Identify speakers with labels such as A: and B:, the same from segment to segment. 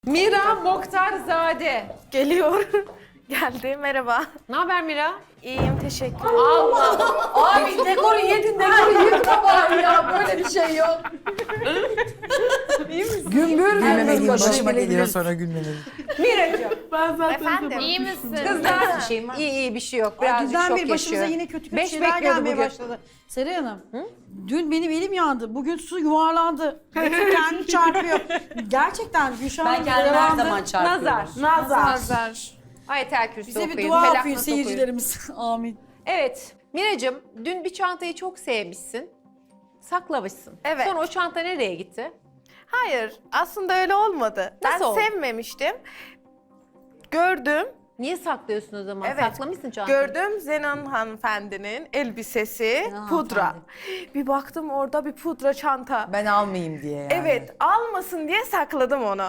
A: Mira Mokhtarzade.
B: Geliyor. Geldi. Merhaba.
A: Ne haber Mira?
B: İyiyim. Teşekkür.
A: Allah!
C: Abi dekoru yedin, dekoru yıkma bari ya. Böyle bir şey yok. Gümbür
D: Gülmemeliyim,
C: başıma
D: başıma geliyor
C: gelebilir.
D: sonra gülmemeliyim.
A: Miracığım.
B: Efendim.
A: İyi misin?
C: Kızlar. Bir şeyim var.
A: İyi bir şey yok. Birazcık
E: Dünden
A: şok
E: beri başımıza
A: yaşıyor.
E: yine kötü
A: Beş
E: şeyler
A: bekliyordu
E: gelmeye
A: bugün.
E: başladı. Seray Hanım, dün benim elim yandı. Bugün su yuvarlandı. Betül kendini çarpıyor. Gerçekten Gülşah
C: Ben
E: Hanım
C: kendimi her
E: yaralandı.
C: zaman çarpıyorum.
A: Nazar. Ayetel Kürsi
E: Bize bir
A: okuyun.
E: dua
A: Felak
E: okuyun
A: Nas
E: seyircilerimiz. Amin.
A: Evet. Miracığım, dün bir çantayı çok sevmişsin. Saklamışsın.
B: Evet.
A: Sonra o çanta nereye gitti?
B: Hayır. Aslında öyle olmadı.
A: Nasıl
B: ben
A: oldu?
B: sevmemiştim. Gördüm.
A: Niye saklıyorsun o zaman?
B: Evet.
A: Saklamışsın çantayı.
B: Gördüm Zenan hanımefendinin elbisesi,
E: Zenan
B: pudra.
E: hanımefendi.
B: Bir baktım orada bir pudra çanta.
C: Ben almayayım diye yani.
B: Evet, almasın diye sakladım onu.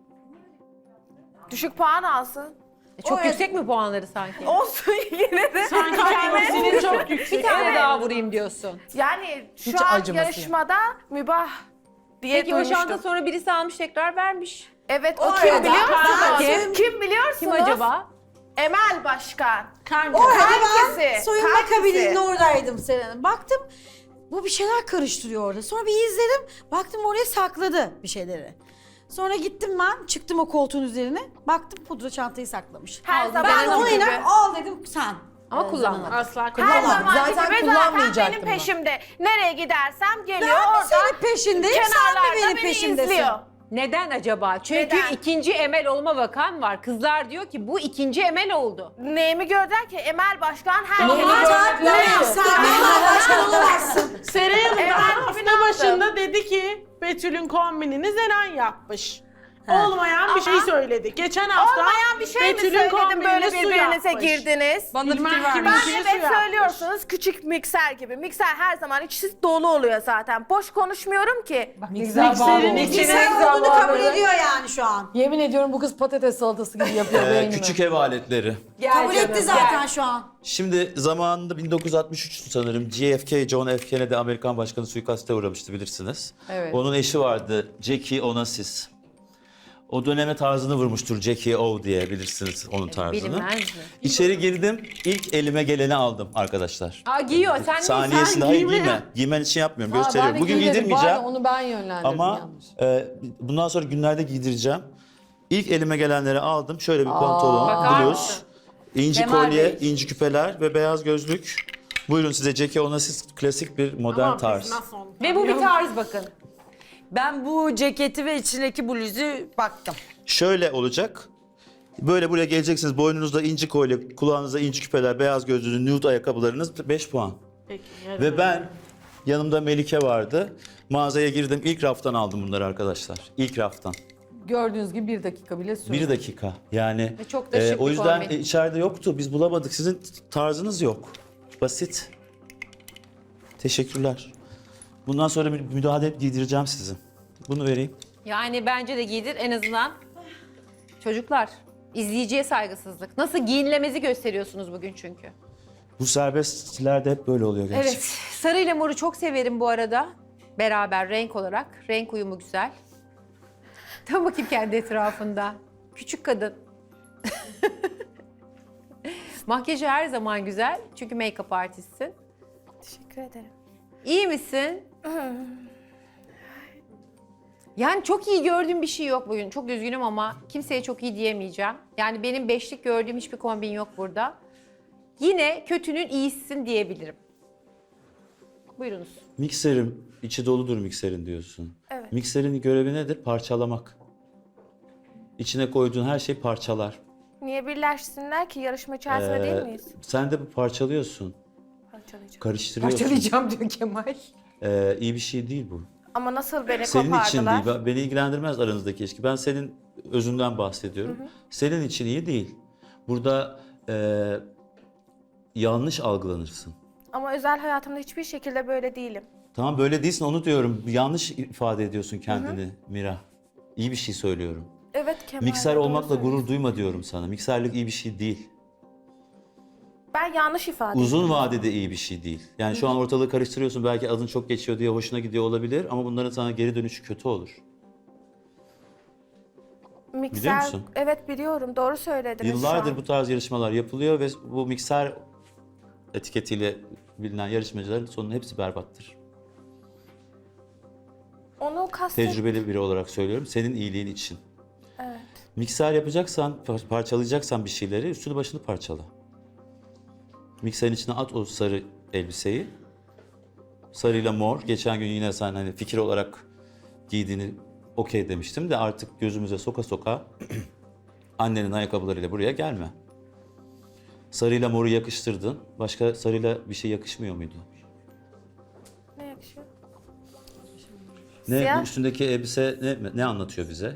B: Düşük puan alsın.
A: Çok
B: O-
A: yüksek mi puanları sanki?
B: Olsun yine de.
F: Sanki kendisini çok yüksek.
A: Bir tane daha vurayım diyorsun.
B: Yani şu
C: Hiç
B: an
C: acıması
B: yarışmada mübah diye
A: Peki o
B: duymuştum.
A: çanta sonra birisi almış tekrar vermiş.
B: Evet, o
E: O
B: kim
E: arada
B: biliyor musunuz?
A: Kim?
B: Kim biliyorsunuz?
A: Kim acaba?
B: Emel Başkan.
E: Orada ben
B: Kankisi,
E: soyunma
B: kankisi.
E: kabininde oradaydım Seray Hanım. Baktım bu bir şeyler karıştırıyor orada. Sonra bir izledim. Baktım oraya sakladı bir şeyleri. Sonra gittim ben, çıktım o koltuğun üzerine. Baktım pudra çantayı saklamış.
B: Her zaman
E: Ben
B: gibi.
E: ona iner, al dedim sen.
A: Ama kullanmadı.
F: Asla
B: Her
F: kullanmadım.
B: zaman
C: Zaten
B: gibi
C: kullanmayacaktım
B: benim
C: ben.
B: peşimde. Nereye gidersem geliyor
E: Ben mi
B: orada.
E: senin peşindeyim, sen mi
B: kenarlarda
E: benim
B: beni
E: peşimdesin?
B: izliyor.
A: Neden acaba? Çünkü
B: Neden?
A: ikinci Emel olma vakan var. Kızlar diyor ki bu ikinci Emel oldu.
B: Neyimi gördüler ki Emel Başkan her
C: Neyimi
B: şeyi
C: gördüler?
E: Sen benim başkan olamazsın.
F: Seray Hanım
B: Evet,
F: da
B: ben
F: hafta
B: ne yaptım?
F: başında dedi ki Betül'ün kombinini Zeren yapmış. Olmayan bir şey söyledi. Geçen hafta
B: Olmayan bir şey mi
F: Betül'ün
B: söyledim
F: kombinini
B: böyle
F: su
B: birbirinize
F: yapmış.
B: girdiniz?
C: Bana
F: Bilmem
C: fikir
F: kimin
C: vermiş.
B: Ben
F: kime su
B: evet
F: yapmış.
B: söylüyorsunuz küçük mikser gibi. Mikser her zaman içi dolu oluyor zaten. Boş konuşmuyorum ki.
F: Mikserin içine
E: Sen olduğunu kabul ediyor yani şu an.
C: Yemin ediyorum bu kız patates salatası gibi yapıyor beynimi.
G: Küçük ev aletleri.
E: Kabul etti zaten şu an.
G: Şimdi zamanında 1963 sanırım JFK, John F. Kennedy Amerikan başkanı suikaste uğramıştı bilirsiniz.
C: Evet.
G: Onun eşi vardı Jackie Onassis. O döneme tarzını vurmuştur Jackie O diye bilirsiniz onun tarzını.
A: Bilinmez mi?
G: İçeri girdim, ilk elime geleni aldım arkadaşlar.
A: Aa giyiyor. Sen
G: Saniyesinde hayır giyme. Giymen için yapmıyorum, gösteriyorum. Bugün giydirmeyeceğim
C: Onu ben yönlendirdim
G: ama
C: yanlış.
G: bundan sonra günlerde giydireceğim. İlk elime gelenleri aldım. Şöyle bir pantolon,
A: Bakar
G: bluz,
A: mısın?
G: inci
C: Kemal
G: kolye,
C: Bey.
G: inci küpeler ve beyaz gözlük. Buyurun size Jackie Onassis klasik bir modern
F: Ama biz
G: tarz.
F: nasıl onu
A: Ve bu bir tarz bakın.
C: Ben bu ceketi ve içindeki bluzu baktım.
G: Şöyle olacak. Böyle buraya geleceksiniz. Boynunuzda inci kolye, kulağınızda inci küpeler, beyaz gözlüğünüz, nude ayakkabılarınız 5 puan.
F: Peki.
G: Ve ben yanımda Melike vardı. Mağazaya girdim. İlk raftan aldım bunları arkadaşlar. İlk raftan.
C: Gördüğünüz gibi 1 dakika bile sürdü.
G: 1 dakika. Yani
A: Ve çok da şık
G: o
A: bir
G: yüzden
A: kombin.
G: içeride yoktu. Biz bulamadık. Sizin tarzınız yok. Basit. Teşekkürler. Bundan sonra bir müdahale giydireceğim sizi. Bunu vereyim.
A: Yani bence de giydir en azından. Çocuklar, izleyiciye saygısızlık. Nasıl giyinilemezi gösteriyorsunuz bugün çünkü.
G: Bu serbestlerde hep böyle oluyor gerçekten.
A: Evet, sarı ile moru çok severim bu arada. Beraber renk olarak. Renk uyumu güzel. Dön bakayım kendi etrafında. Küçük kadın. Makyajı her zaman güzel. Çünkü make-up artistsin.
B: Teşekkür ederim.
A: İyi misin? Yani çok iyi gördüğüm bir şey yok bugün. Çok üzgünüm ama kimseye çok iyi diyemeyeceğim. Yani benim beşlik gördüğüm hiçbir kombin yok burada. Yine kötünün iyisisin diyebilirim. Buyurunuz.
G: Mikserim, içi doludur mikserin diyorsun.
B: Evet.
G: Mikserin görevi nedir? Parçalamak. İçine koyduğun her şey parçalar.
B: Niye birleşsinler ki? Yarışma içerisinde değil miyiz?
G: Sen de bu parçalıyorsun,
B: Parçalayacağım.
G: karıştırıyorsun.
A: Parçalayacağım diyor Kemal.
G: İyi bir şey değil bu.
B: Ama nasıl beni
G: Senin için
B: kopardılar?
G: değil, beni ilgilendirmez aranızdaki ilişki. Ben senin özünden bahsediyorum. Senin için iyi değil. Burada yanlış algılanırsın.
B: Ama özel hayatımda hiçbir şekilde böyle değilim.
G: Tamam böyle değilsin onu diyorum. Yanlış ifade ediyorsun kendini Mira. İyi bir şey söylüyorum.
B: Evet Kemal.
G: Mikser
B: doğru
G: olmakla
B: söylüyorsun.
G: gurur duyma diyorum sana. Mikserlik iyi bir şey değil.
B: Ben yanlış ifade ettim.
G: Uzun vadede iyi bir şey değil. Yani şu an ortalığı karıştırıyorsun. Belki adın çok geçiyor diye hoşuna gidiyor olabilir. Ama bunların sana geri dönüşü kötü olur.
B: Mikser,
G: musun?
B: evet biliyorum, doğru söylediniz şu
G: Yıllardır
B: an.
G: bu tarz yarışmalar yapılıyor ve bu mikser etiketiyle bilinen yarışmacıların sonunun hepsi berbattır.
B: Onu kastet...
G: Tecrübeli biri olarak söylüyorum, senin iyiliğin için.
B: Evet.
G: Mikser yapacaksan, parçalayacaksan bir şeyleri üstünü başını parçala. Mikserin içine at o sarı elbiseyi. Sarıyla mor. Geçen gün yine sen hani fikir olarak giydiğini okey demiştim de artık gözümüze soka soka annenin ayakkabılarıyla buraya gelme. Sarıyla moru yakıştırdın. Başka sarıyla bir şey yakışmıyor muydu?
B: Ne yakışıyor?
G: Ne
B: Siyah.
G: bu üstündeki elbise ne anlatıyor bize?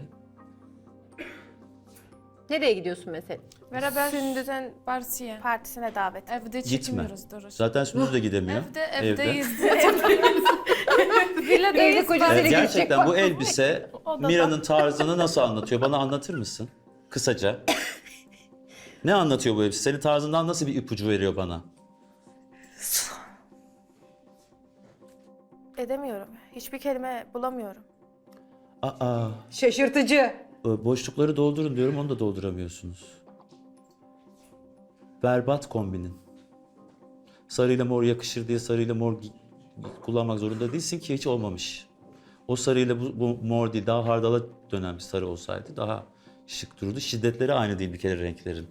A: Nereye gidiyorsun mesela?
B: Beraber
C: Sündüz'ün partiye.
B: partisine davet.
C: Evde
G: Gitme.
C: çekmiyoruz Duru.
G: Zaten Sündüz de gidemiyor.
C: Evdeyiz.
A: Evde kocasıyla
G: Gerçekten bu elbise Mira'nın tarzını nasıl anlatıyor? Bana anlatır mısın? Kısaca. Ne anlatıyor bu elbise? Senin tarzından nasıl bir ipucu veriyor bana?
B: Edemiyorum. Hiçbir kelime bulamıyorum.
G: Aa,
A: Şaşırtıcı.
G: boşlukları doldurun diyorum, onu da dolduramıyorsunuz. Berbat kombinin. Sarıyla mor yakışır diye sarıyla mor kullanmak zorunda değilsin ki, hiç olmamış. O sarıyla bu mor değil, daha hardala dönen bir sarı olsaydı daha şık dururdu. Şiddetleri aynı değil bir kere renklerin.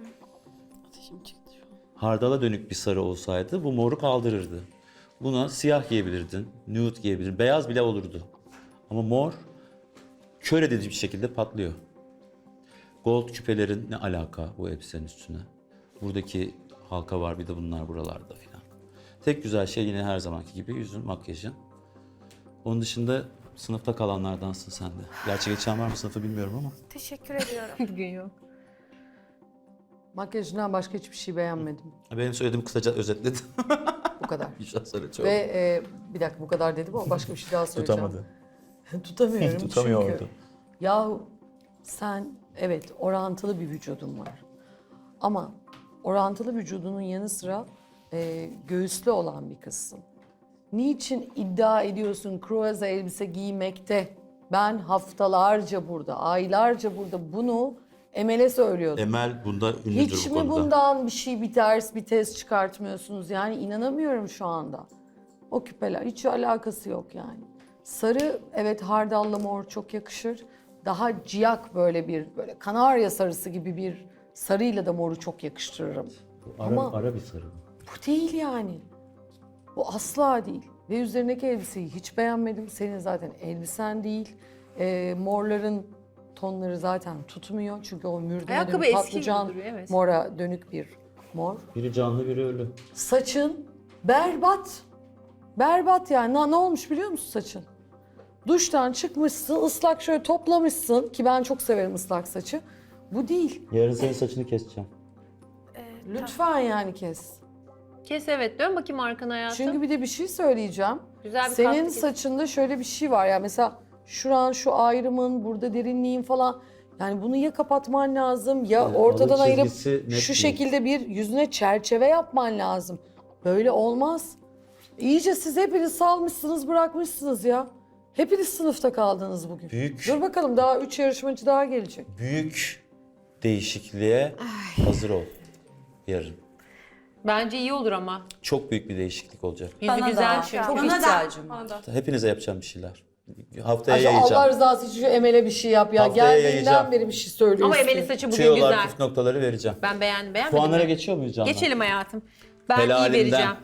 G: Hardala dönük bir sarı olsaydı bu moru kaldırırdı. Buna siyah giyebilirdin, nude giyebilirdin, beyaz bile olurdu. Ama mor kör edici bir şekilde patlıyor. Gold küpelerin ne alaka bu elbisenin üstüne? Buradaki halka var, bir de bunlar buralarda filan. Tek güzel şey yine her zamanki gibi yüzün, makyajın. Onun dışında sınıfta kalanlardansın sen de. Gerçi geçen var mı sınıfı bilmiyorum ama.
B: Teşekkür ediyorum.
A: Bugün yok.
D: Makyajından başka hiçbir şey beğenmedim.
G: Benim söylediğimi kısaca özetledim.
D: Bu kadar.
G: Güzel söyletiyorum.
D: Ve bir dakika bu kadar dedim ama başka bir şey daha söyleyeceğim.
G: Tutamadı.
D: Tutamıyorum
G: Tutamıyordu.
D: çünkü. Yahu sen evet orantılı bir vücudun var. Ama orantılı vücudunun yanı sıra göğüslü olan bir kızsın. Niçin iddia ediyorsun kruvaze elbise giymekte? Ben haftalarca burada, aylarca burada bunu Emel'e söylüyordum.
G: Emel bunda ünlüdür
D: Hiç
G: bu
D: mi
G: konuda.
D: bundan bir ders, bir test çıkartmıyorsunuz? Yani inanamıyorum şu anda. O küpeler hiç alakası yok yani. Sarı evet hardalla mor çok yakışır. Daha ciyak böyle kanarya sarısı gibi bir sarıyla da moru çok yakıştırırım.
G: Ara bir sarı.
D: Bu değil yani. Bu asla değil. Ve üzerindeki elbiseyi hiç beğenmedim. Senin zaten elbisen değil. Morların tonları zaten tutmuyor. Çünkü o mürdüne
A: Ayakkabı
D: dönük
A: eski
D: patlıcan
A: gibi duruyor, evet.
D: mora dönük bir mor.
G: Biri canlı biri ölü.
D: Saçın berbat. Berbat yani. Ne olmuş biliyor musun saçın? Duştan çıkmışsın, ıslak şöyle toplamışsın ki ben çok severim ıslak saçı. Bu değil.
G: Yarın senin saçını keseceğim.
D: Lütfen yani kes.
A: Kes evet. Dön bakayım arkana hayatım.
D: Çünkü bir de bir şey söyleyeceğim.
A: Güzel bir
D: Senin
A: kastı kes.
D: saçında şöyle bir şey var ya mesela şuran şu ayrımın, burada derinliğin falan. Yani bunu ya kapatman lazım ya
G: Evet,
D: ortadan
G: alın
D: ayırıp
G: çizgisi net
D: şu
G: değil.
D: şekilde bir yüzüne çerçeve yapman lazım. Böyle olmaz. İyice siz hepiniz salmışsınız, bırakmışsınız ya. Hepiniz sınıfta kaldınız bugün.
G: Büyük.
D: Dur bakalım daha 3 yarışmacı daha gelecek.
G: Büyük değişikliğe hazır ol yarın.
A: Bence iyi olur ama.
G: Çok büyük bir değişiklik olacak.
A: Yüzü güzel çünkü.
E: Çok ihtiyacım var.
G: Hepinize yapacağım bir şeyler. Haftaya
D: Ayşe, Allah
G: yayacağım.
D: rızası için şu Emel'e bir şey yap ya.
G: Haftaya
D: Geldiğinden
G: yayacağım.
D: beri bir şey söylüyorsun.
A: Ama Emel'in saçı bugün
G: Tüyolar,
A: güzel.
G: püf noktaları vereceğim.
A: Ben beğenmedim
G: Puanlara
A: mi?
G: geçiyor muyuz Canlar?
A: Geçelim hayatım. Ben
G: Helalinden.
A: iyi vereceğim.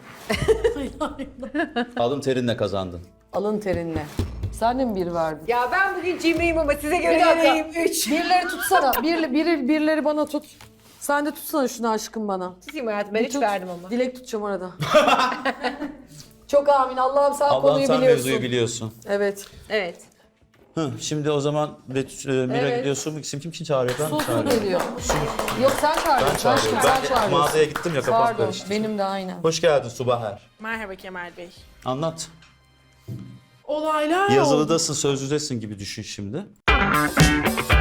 G: Alın terinle kazandın.
D: Alın terinle. Sen de mi bir verdin?
A: Ya ben bugün cimriyim ama size göre
D: Bir dakika.
A: vereyim 3.
D: Birileri tutsana. Birileri bana tut. Sen de tutsana şunu aşkım bana.
A: Tutayım hayatım ben
D: Bir
A: 3
D: tut.
A: verdim ama.
D: Dilek tutacağım arada. Çok amin. Allah'ım sen
G: Allah'ım
D: konuyu
G: sen
D: biliyorsun.
G: mevzuyu biliyorsun.
D: Evet.
A: Evet.
G: Şimdi o zaman Mira
D: Evet.
G: gidiyorsun. Kim çağırıyor? Ben mi
D: Su
G: çağırıyorum?
D: geliyor. Yok sen çağırıyorsun.
G: Ben çağırıyorum.
D: Aşkım, sen
G: Ben
D: çağırıyorsun.
G: mağazaya gittim ya, kafam
D: Pardon
G: karıştı.
D: benim de aynen.
G: Hoş geldin Subaher.
F: Merhaba Kemal Bey.
G: Anlat.
F: Olaylar oldu.
G: Yazılıdasın, sözlüdesin gibi düşün şimdi.